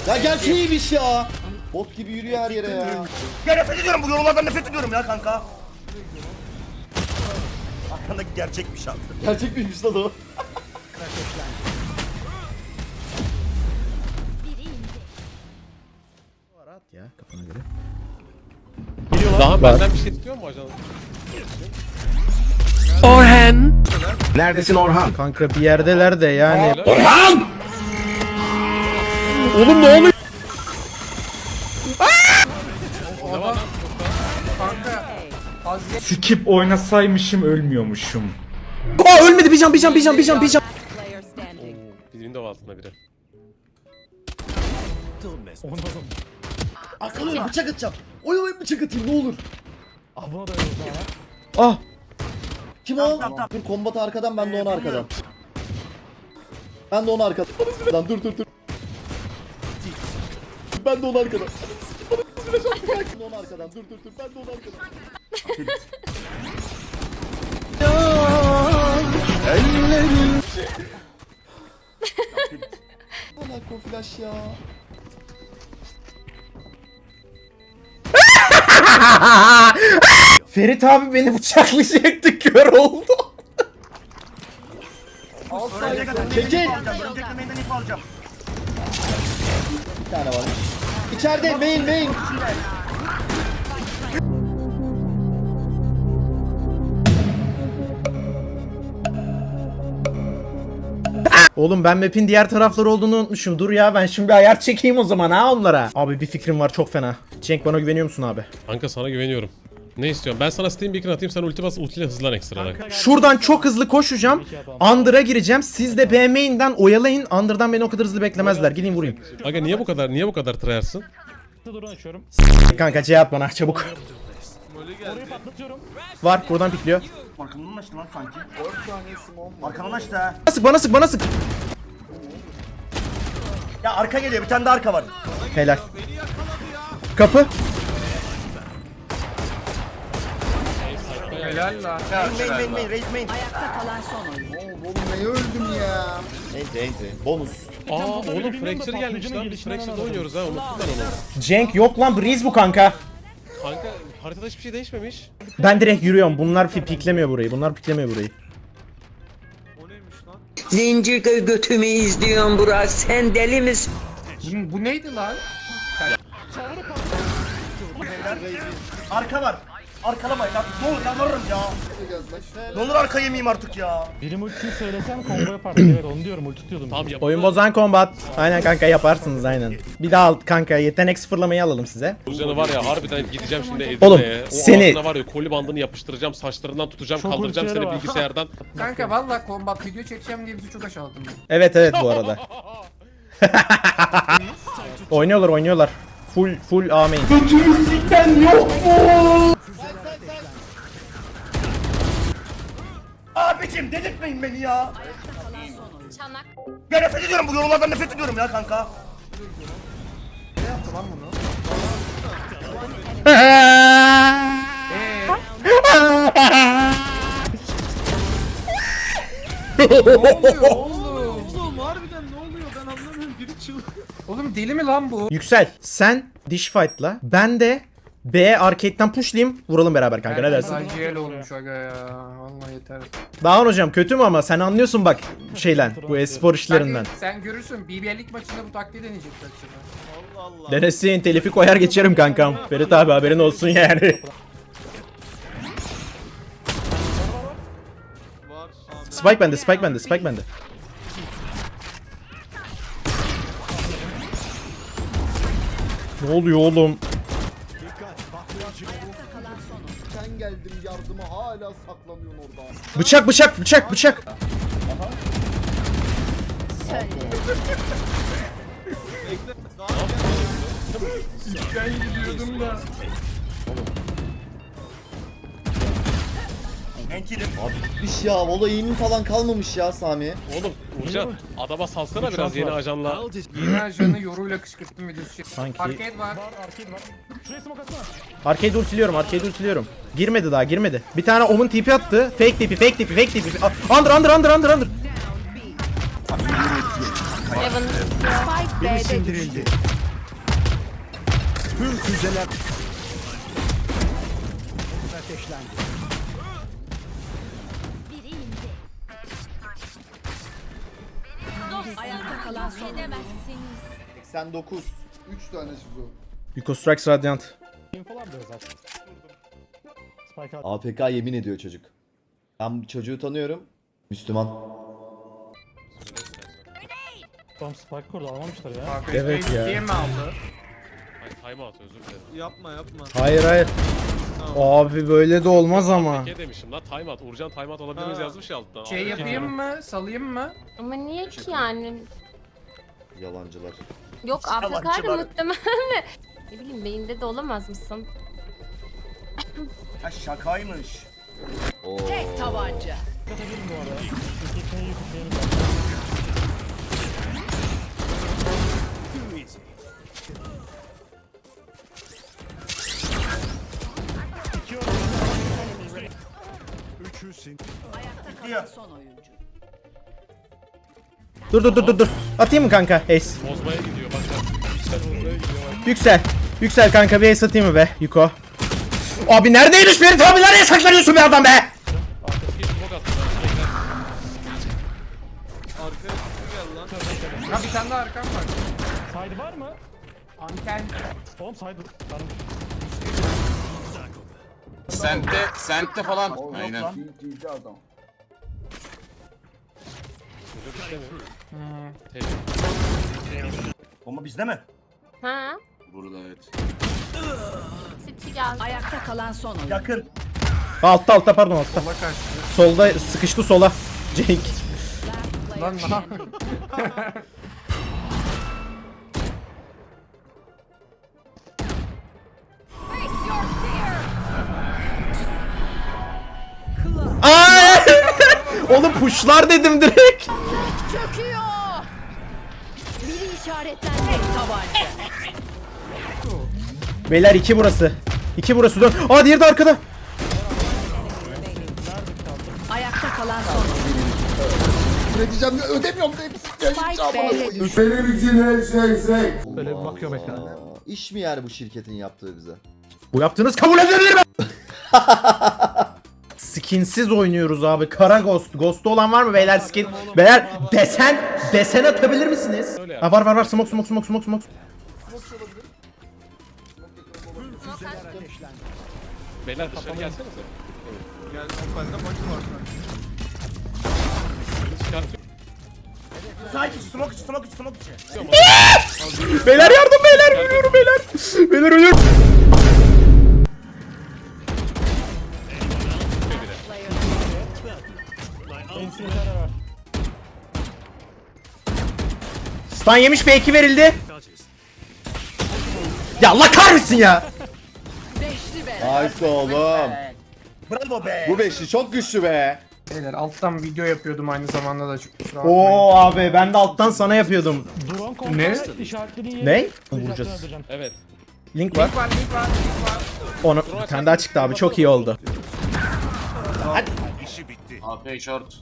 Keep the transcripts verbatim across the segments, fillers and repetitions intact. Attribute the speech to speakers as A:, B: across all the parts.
A: Ya gerçeğiymiş ya. Bot gibi yürüyor her yere ya.
B: Ya nefret ediyorum bu yorumlardan nefret ediyorum ya kanka. Arkandaki gerçekmiş abi.
A: Gerçek miymiş lan o? Rahat ya kafana göre.
C: Daha benden bir şey istiyor mu ajan?
D: Neredesin Orhan?
A: Kanka bir yerdeler de yani.
D: Orhan!
A: Oğlum ne oluyor?
E: Skip oynasaymışım ölmüyormuşum.
A: Aa ölmedi bir can bir can bir can bir can bir can.
C: Bizim window altında biri.
A: Arkadan bıçak atacağım. Oy oy bıçak atayım ne olur. Ah. Kim o? Dur kombat arkadan ben de onu arkadan. Ben de onu arkadan. Dur dur dur. Ben de onu arkadan. Ben de onu arkadan. Dur dur dur. Ben de onu arkadan. Bana koflaş ya. Ferit abi beni bıçaklayacaktı kör oldu. Çekil.
B: Örümcek yemeğinden ip alacağım.
A: Bir tane var. İçeride main main. Oğlum ben map'in diğer tarafları olduğunu unutmuşum. Dur ya ben şimdi bir ayar çekeyim o zaman ha onlara. Abi bir fikrim var çok fena. Cenk bana güveniyor musun abi?
C: Kanka sana güveniyorum. Ne istiyorsun? Ben sana Steam Beacon atayım, sen ulti bas, ultiyle hızlan ekstradan.
A: Şuradan çok hızlı koşacağım. Under'a gireceğim. Siz de B main'den oyalayın. Under'dan beni o kadar hızlı beklemezler. Gideyim vurayım.
C: Aga niye bu kadar, niye bu kadar tryhardsın?
A: Kanka C at bana çabuk. Var buradan pikliyor.
B: Arkamdan açtı lan sanki. Arkamdan açtı ha.
A: Bana sık bana sık bana sık.
B: Ya arka geliyor bir tane de arka var.
A: Helal. Kapı.
B: Main main main main raise main.
A: Enti enti. Bonus.
C: Aa oğlum Fracture gelmiş lan, biz Fracture'da oynuyoruz ha, unuttum ben onu.
A: Cenk yok lan Breeze bu kanka.
C: Kanka haritada hiçbir şey değişmemiş.
A: Ben direkt yürüyorum. Bunlar fi- piklemiyor burayı. Bunlar piklemiyor burayı.
F: Zincir götümü izliyorsun Burak, sen deli misin?
E: Bu neydi lan?
B: Arka var. Arkalamayın lan. Ne olur yalvarırım ya. Ne olur arka yemeyeyim artık ya.
G: Benim ultiyi söylesem combo yapardım. Evet onu diyorum, ulti tutuyordum.
C: Tamam yap.
A: Oyun bozan combat. Aynen kanka yaparsınız aynen. Bir daha al kanka yetenek sıfırlamayı alalım size.
C: Canı var ya harbiden gideceğim şimdi Edirne'ye.
A: Oğlum,
C: O
A: seni-
C: ağzına var ya koli bandını yapıştıracağım, saçlarından tutacağım,
G: Çok
C: kaldıracağım
G: ultileri
C: seni
G: var.
C: bilgisayardan.
E: Kanka valla kombat video çekeceğim diye bizi çok aşağıladın.
A: Evet evet bu arada. Oynuyorlar oynuyorlar. Full full A main.
B: Abicim delirtmeyin beni ya.
H: Çanak.
B: Ya nefret ediyorum bu yorumlardan nefret ediyorum ya kanka.
E: Oğlum deli mi lan bu?
A: Yüksel sen dish fight'la ben de B arcade'den pushlayayım vuralım beraber kanka ne dersin?
E: Acil olmuş aga ya. Vallahi yeter.
A: Dağın hocam kötü mü ama sen anlıyorsun bak şeyden bu espor işlerinden.
E: Sen, sen görürsün B B L'lik maçında bu taktiği deneyecek belki.
A: Denesin telifi koyar geçerim kankam. Ferit abi haberin olsun yani. Spike bende, spike bende, spike bende. Ne oluyor oğlum?
I: Ben geldim yardıma hala saklanıyorsun orada.
A: Bıçak, bıçak, bıçak, bıçak.
B: Enkilim.
A: Bitmiş ya, olayın falan kalmamış ya Sami.
C: Oğlum Uğurcan adama salsana biraz yeni ajanla.
E: Yeni ajanı yoruyla kışkırttım videosu.
A: Sanki-
E: Arcade var.
G: Arcade var. Şuraya smoke atsana.
A: Arcade ultiliyorum, arcade ultiliyorum. Girmedi daha, girmedi. Bir tane Omen tipi attı. Fake tipi, fake tipi, fake tipi. A- Under, under, under, under, under.
H: Evan.
D: Birisi indirildi. Tüm füzeler ateşlendi.
H: Biri indi. Ayakta kalan son edemezsiniz.
I: seksen dokuz. üç tane şizo.
A: Yuko Strikes Radiant.
G: Infolar da özel. Spike at.
J: A F K yemin ediyor çocuk. Ben çocuğu tanıyorum. Müslüman.
G: Tom Spike kurdu almamışlar ya.
A: Evet ya.
E: Diye mi aldı?
C: Ay time out özür dilerim.
B: Yapma yapma.
A: Hayır hayır. Abi böyle de olmaz ama.
C: Ne demişim lan time out. Uğurcan time out alabilir miyiz yazmış ya alttan.
E: Şey yapayım mı? Salayım mı?
H: Ama niye ki yani?
J: Yalancılar.
H: Yok
B: Yalancı
H: Afrika'da
B: var.
H: muhtemelen de. Ne bileyim beyinde de olamaz mısın?
B: Ha şakaymış.
J: Oo.
F: Tabanca.
G: Katabilirim bu arada. İkisini yükleyelim.
B: Diyor.
A: Dur dur dur dur dur. Atayım mı kanka? Ace.
C: Bozmaya gidiyor bak bak. Yüksel bozmaya gidiyor bak.
A: Yüksel. Yüksel kanka bir ace atayım mı be Yuko? Abi neredeymiş Ferit abi? Nereye saklanıyorsun be adam be?
C: Bir smoke attı ben. Bekler.
B: Arkaya gel lan.
E: Ha bir tane daha arkam var.
G: Side var mı?
E: Anten.
G: Oğlum side varmış.
K: Sente, sente falan. Aynen.
I: Cici adam.
B: Bomba bizde mi?
H: Ha?
K: Burada evet.
H: City geldi.
F: Ayakta kalan son oyuncu.
B: Yakın.
A: Altta altta pardon altta. Solda sıkıştı sola. Cenk.
E: Lan ne yapayım?
A: Ay! Oğlum pushlar dedim direkt.
H: Çöküyor. Biri işaretlendi.
F: Tabanca.
A: Beyler iki burası. İki burası dön. Aa diğeri de arkada.
F: Ayakta kalan son oyuncu.
I: Üreteceğim de ödemiyorum da hepsi.
F: Spike B'de düştü.
I: Benim için her şey şey.
E: Böyle bir bakıyorum ekrana.
J: Aa, İş mi yani bu şirketin yaptığı bize?
A: Bu yaptığınız kabul edilir mi? Skinsiz oynuyoruz abi. Kara ghost. Ghost'u olan var mı beyler skin? Beyler desen desen atabilir misiniz?
C: Öyle yap.
A: Ha var var var. Smoke smoke smoke smoke smoke.
C: Beyler dışarı gelsenize.
B: Gel bende maçı var.
C: Çıkartıyor.
B: Sanki smoke içi smoke içi smoke içi.
A: Beyler yardım beyler. Ölüyorum beyler. Beyler ölüyorum.
G: Ensinyere var.
A: Stun yemiş F iki verildi. Ya Allah kahretsin ya.
F: Beşli bela.
J: Nice oğlum.
B: Bravo be.
J: Bu beşli çok güçlü be.
E: Beyler alttan video yapıyordum aynı zamanda da çok kusura bakmayın.
A: Oo abi ben de alttan sana yapıyordum.
G: Drone kontrol
E: Ne?
G: işaretlediğin yeri.
A: Ne?
G: Vuracağız.
A: Vuracağız.
C: Evet.
A: Link var.
E: Link var link var link var.
A: Onu bir tane daha çıktı abi. Çok iyi oldu.
K: A P short.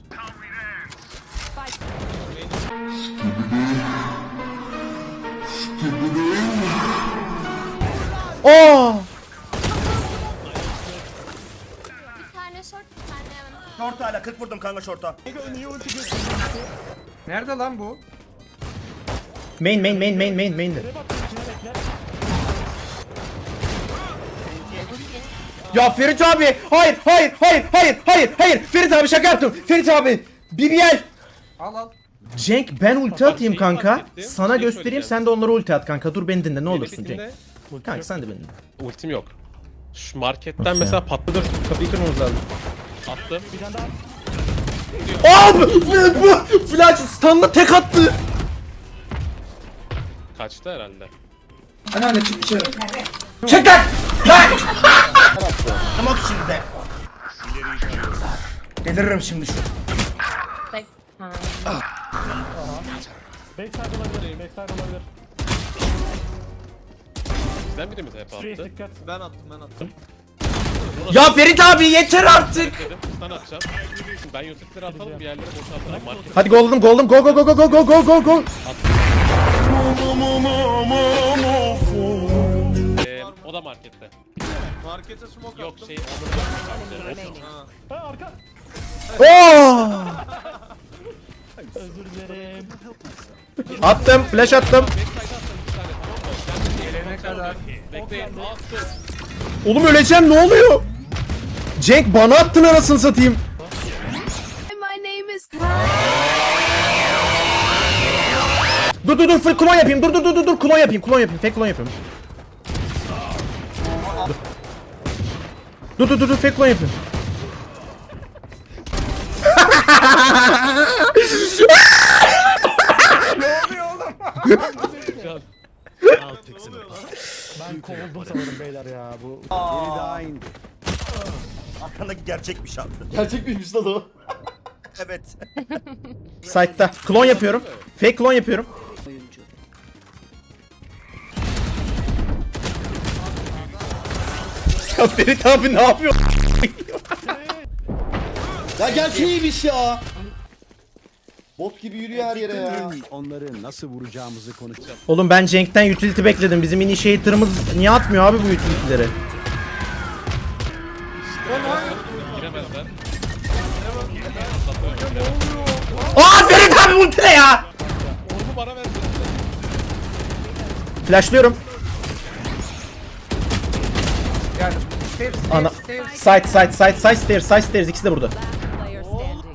A: Oo!
H: Bir tane short bir tane Evan.
B: Short hala kırk vurdum kanka short'a.
E: Nerede lan bu?
A: Main main main main main main'de. Ya Ferit abi! Hayır hayır hayır hayır hayır hayır! Ferit abi şaka yaptım. Ferit abi! B B L!
E: Al al.
A: Cenk ben ulti atayım
C: şeyi
A: kanka.
C: fark ettim.
A: Sana
C: Şey
A: göstereyim
C: söyleyeceğim.
A: sen de onlara ulti at kanka. Dur beni dinle ne olursun
C: Benim
A: Cenk.
C: bitimde
A: Kanka sen de beni dinle.
C: ultim yok. Şu marketten
A: Nasıl
C: mesela patladı.
A: Kapıyı kırmamız lazım.
C: Attım.
G: Bir tane daha.
A: Abi! Bu flash stun'la tek attı.
C: Kaçtı herhalde.
A: Çek lan! Lan!
B: Smoke içinde. Deliririm şimdi şu.
H: Bek. Ha.
G: Backside olabilir. Backside olabilir.
C: Bizden biri mi hep
G: Street
C: attı?
G: dikkat.
B: Ben attım ben attım.
A: Ya Ferit abi yeter artık.
C: Dedim stun atacağım. Şimdi ben Yosef'leri atalım bir yerlere boşaltalım. Market
A: Hadi golden golden go go go go go go go go go.
C: Ee, o da markette.
B: Markete smoke
C: Yok
B: attım.
C: şey
G: Ha arka.
A: Oo!
G: Özür dilerim.
A: Attım flash attım.
E: Gelene kadar.
C: Bekleyin. Attım.
A: Oğlum öleceğim ne oluyor? Cenk bana attın arasını satayım.
H: My name is
A: Dur dur dur full klon yapayım. Dur dur dur dur dur klon yapayım. Klon yapayım. Fake klon yapayım. Dur dur dur dur fake klon yapayım.
D: Ben kovuldum sanırım beyler ya. Bu biri daha indi.
B: Arkandaki gerçekmiş abi.
J: Gerçek miymiş lan o?
B: Evet.
A: Site'da. Klon yapıyorum. Fake klon yapıyorum. Ya Ferit abi ne yapıyor?
J: Ya gerçeğiymiş ya. Bot gibi yürüyor her yere ya.
D: Onları nasıl vuracağımızı konuşacağız.
A: Oğlum ben Cenk'ten utility bekledim. Bizim initiator'ımız niye atmıyor abi bu utility'leri?
C: Giremezler.
A: Aa Ferit abi ulti ne ya?
C: Orbu bana ver.
A: Flashlıyorum.
E: Geldim. Stairs,
A: Ana.
E: stairs, stairs.
A: Side side side side stairs side stairs ikisi de burada.